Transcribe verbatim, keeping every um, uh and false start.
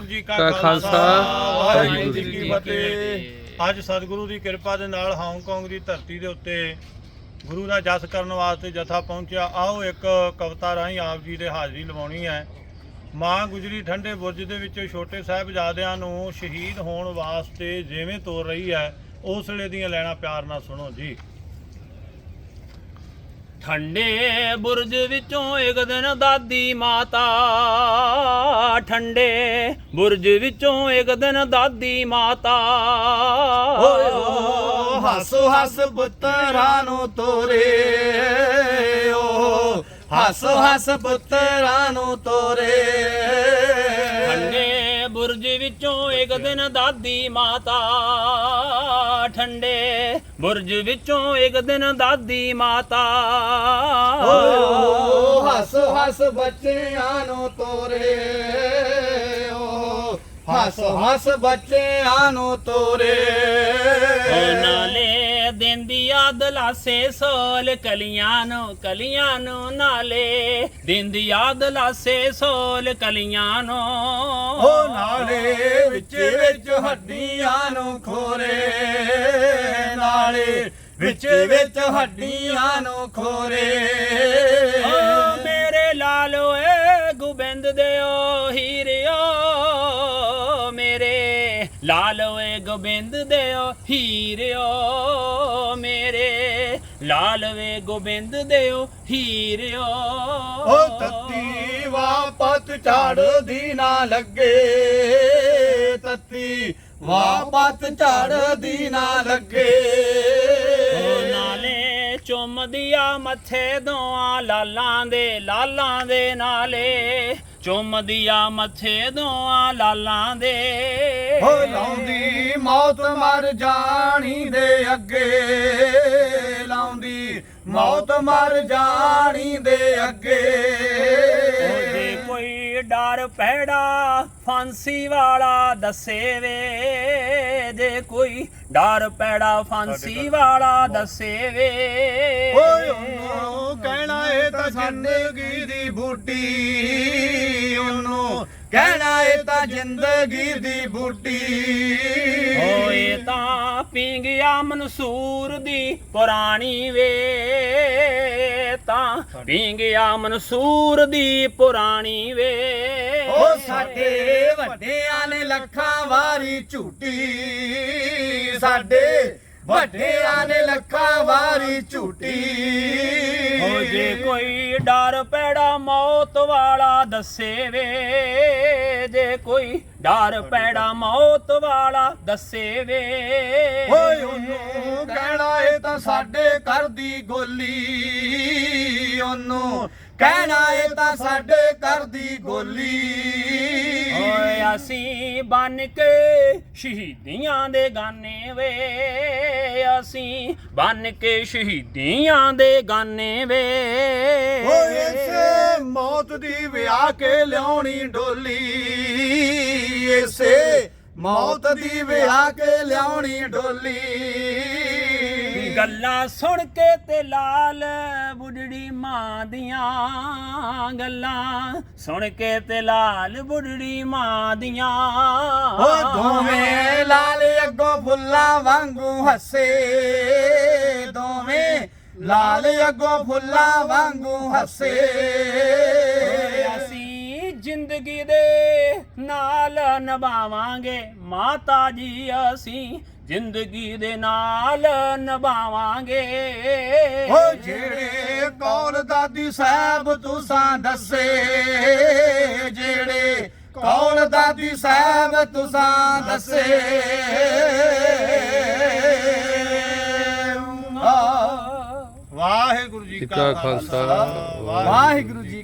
जी का खालसा वाहिगुरू जी की फतेह। ਅੱਜ ਸਤਿਗੁਰੂ ਦੀ ਕਿਰਪਾ ਦੇ ਨਾਲ ਹਾਂਗਕਾਂਗ ਦੀ ਧਰਤੀ ਦੇ ਉੱਤੇ ਗੁਰੂ ਦਾ ਜਸ ਕਰਨ ਵਾਸਤੇ ਜਥਾ ਪਹੁੰਚਿਆ। ਆਓ ਇੱਕ ਕਵਿਤਾ ਰਾਹੀਂ ਆਪ ਜੀ ਦੇ ਹਾਜ਼ਰੀ ਲਵਾਉਣੀ ਹੈ। ਮਾਂ ਗੁਜਰੀ ਠੰਡੇ ਬੁਰਜ ਦੇ ਵਿੱਚ ਛੋਟੇ ਸਾਹਿਬਜ਼ਾਦਿਆਂ ਨੂੰ ਸ਼ਹੀਦ ਹੋਣ ਵਾਸਤੇ ਜਿਵੇਂ ਤੋਰ ਰਹੀ ਹੈ, ਉਸ ਵੇਲੇ ਦੀਆਂ ਲੈਣਾ ਪਿਆਰ ਨਾਲ ਸੁਣੋ ਜੀ। ਠੰਡੇ ਬੁਰਜ ਵਿੱਚੋਂ ਇੱਕ ਦਿਨ ਦਾਦੀ ਮਾਤਾ, ਠੰਡੇ ਬੁਰਜ ਵਿੱਚੋਂ ਇੱਕ ਦਿਨ ਦਾਦੀ ਮਾਤਾ, ਓਏ ਓ ਹੱਸ ਹੱਸ ਪੁੱਤਰਾਂ ਨੂੰ ਤੋਰੇ, ਓ ਹੱਸ ਹੱਸ ਪੁੱਤਰਾਂ ਨੂੰ ਤੋਰੇ। ਠੰਡੇ ਬੁਰਜ ਵਿੱਚੋਂ ਇੱਕ ਦਿਨ ਦਾਦੀ ਮਾਤਾ, ਠੰਡੇ ਬੁਰਜ ਵਿੱਚੋਂ ਇੱਕ ਦਿਨ ਦਾਦੀ ਮਾਤਾ, ਓਏ ਓ ਹੱਸ ਹੱਸ ਬੱਚਿਆਂ ਨੂੰ ਤੋਰੇ, ਓ ਹੱਸ ਹੱਸ ਬੱਚਿਆਂ ਨੂੰ ਤੋਰੇ। ਨਾਲੇ ਦਿੰਦੀ ਆ ਦਲਾਸੇ ਸੋਲ ਕਲੀਆਂ ਨੂੰ, ਕਲੀਆਂ ਨੂੰ ਨਾਲੇ ਦਿੰਦੀ ਆ ਦਲਾਸੇ ਸੋਲ ਕਲੀਆਂ ਨੂੰ, ਓ ਨਾਲੇ ਵਿੱਚ ਵਿੱਚ ਹੱਡੀਆਂ ਨੂੰ ਖੋਰੇ, ਨਾਲੇ ਵਿੱਚ ਵਿੱਚ ਹੱਡੀਆਂ ਨੂੰ ਖੋਰੇ। ਓ ਮੇਰੇ ਲਾਲੋ ਏ ਗੋਬਿੰਦ ਦਿਓ ਹੀਰਿਓ, ਮੇਰੇ ਲਾਲੋ ਏ ਗੋਬਿੰਦ ਦਿਓ ਹੀਰਿਓ, ਮੇਰੇ ਲਾਲਵੇ ਗੋਬਿੰਦ ਦਿਓ ਹੀਰਿਓ। ਓ ਤੱਤੀ ਵਾਪਤ ਝਾੜਦੀ ਨਾ ਲੱਗੇ, ਤੱਤੀ ਵਾਪਤ ਝਾੜਦੀ ਨਾ ਲੱਗੇ। ਓ ਨਾਲੇ ਚੁੰਮਦੀਆਂ ਮੱਥੇ ਦੋਆਂ ਲਾਲਾਂ ਦੇ, ਲਾਲਾਂ ਦੇ ਨਾਲੇ ਚੁੰਮਦੀਆਂ ਮੱਥੇ ਦੋਆਂ ਲਾਲਾਂ ਦੇ। ਹੋ ਲਾਉਂਦੀ ਮੌਤ ਮਰ ਜਾਣੀ ਦੇ ਅੱਗੇ, ਲਾਉਂਦੀ ਮੌਤ ਮਰ ਜਾਣੀ ਦੇ ਅੱਗੇ। ਜੇ ਕੋਈ ਡਰ ਪੈੜਾ ਫਾਂਸੀ ਵਾਲਾ ਦੱਸੇ ਵੇ, ਜੇ ਕੋਈ ਡਰ ਪੈੜਾ ਫਾਂਸੀ ਵਾਲਾ ਦੱਸੇ ਵੇ। ਓਏ ਉਹਨੂੰ ਕਹਿਣਾ ਇਹ ਤਾਂ ਜ਼ਿੰਦਗੀ ਦੀ ਬੂਟੀ, ਉਹਨੂੰ ਕਹਿਣਾ ਇਹ ਤਾਂ ਜ਼ਿੰਦਗੀ ਦੀ ਬੂਟੀ। ਓਏ ਤਾਂ ਪੀ ਗਿਆ ਮਨਸੂਰ ਦੀ ਪੁਰਾਣੀ ਵੇ, ਤਾਂ ਪੀ ਗਿਆ ਮਨਸੂਰ ਦੀ ਪੁਰਾਣੀ ਵੇ। ਓ ਸਾਡੇ ਵੱਡਿਆਂ ਨੇ ਲੱਖਾਂ ਵਾਰੀ ਝੂਟੀ, ਸਾਡੇ ਵੱਡਿਆਂ ਨੇ ਲੱਖਾਂ ਵਾਰੀ ਝੂਟੀ। ਓ ਜੇ ਕੋਈ ਡਰ ਪੈੜਾ ਮੌਤ ਵਾਲਾ ਦੱਸੇ ਵੇ, ਜੇ ਕੋਈ ਡਰ ਪੈੜਾ ਮੌਤ ਵਾਲਾ ਦੱਸੇ ਵੇ। ਓਏ ਉਹਨੂੰ ਕਹਿਣਾ ਇਹ ਤਾਂ ਸਾਡੇ ਘਰ ਦੀ ਗੋਲੀ, ਉਹਨੂੰ ਕਹਿਣਾ ਇਹ ਤਾਂ ਸਾਡੇ ਘਰ ਦੀ ਗੋਲੀ। ਓਏ ਅਸੀਂ ਬਨ ਕੇ ਸ਼ਹੀਦੀਆਂ ਦੇ ਗਾਨੇ ਵੇ, ਅਸੀਂ ਬਨ ਕੇ ਸ਼ਹੀਦੀਆਂ ਦੇ ਗਾਨੇ ਵੇ। ਓਏ ਇਸੇ ਮੌਤ ਦੀ ਵਿਆਹ ਕੇ ਲਿਆਉਣੀ ਡੋਲੀ, ਇਸੇ ਮੌਤ ਦੀ ਵਿਆਹ ਕੇ ਲਿਆਉਣੀ ਡੋਲੀ। ਗੱਲਾਂ ਸੁਣ ਕੇ ਤੇ ਲਾਲ ਬੁੱਢੜੀ ਮਾਂ ਦੀਆਂ, ਗੱਲਾਂ ਸੁਣ ਕੇ ਤੇ ਲਾਲ ਬੁੱਢੜੀ ਮਾਂ ਦੀਆਂ। ਓ ਦੋਵੇਂ ਲਾਲ ਅੱਗੋਂ ਫੁੱਲਾਂ ਵਾਂਗੂ ਹੱਸੇ, ਦੋਵੇਂ ਲਾਲ ਅੱਗੋਂ ਫੁੱਲਾਂ ਵਾਂਗੂ ਹੱਸੇ। ਅਸੀਂ ਜ਼ਿੰਦਗੀ ਦੇ ਨਾਲ ਨਿਭਾਵਾਂਗੇ ਮਾਤਾ ਜੀ, ਅਸੀਂ ਜ਼ਿੰਦਗੀ ਦੇ ਨਾਲ ਨਿਭਾਵਾਂਗੇ। ਓ ਜਿਹੜੇ ਕੌਲ ਦਾਦੀ ਸਾਹਿਬ ਤੁਸਾਂ ਦੱਸੇ, ਜਿਹੜੇ ਕੌਲ ਦਾਦੀ ਸਾਹਿਬ ਤੁਸਾਂ ਦੱਸੇ। ਵਾਹਿਗੁਰੂ ਜੀ ਕਾ ਖਾਲਸਾ ਵਾਹਿਗੁਰੂ ਜੀ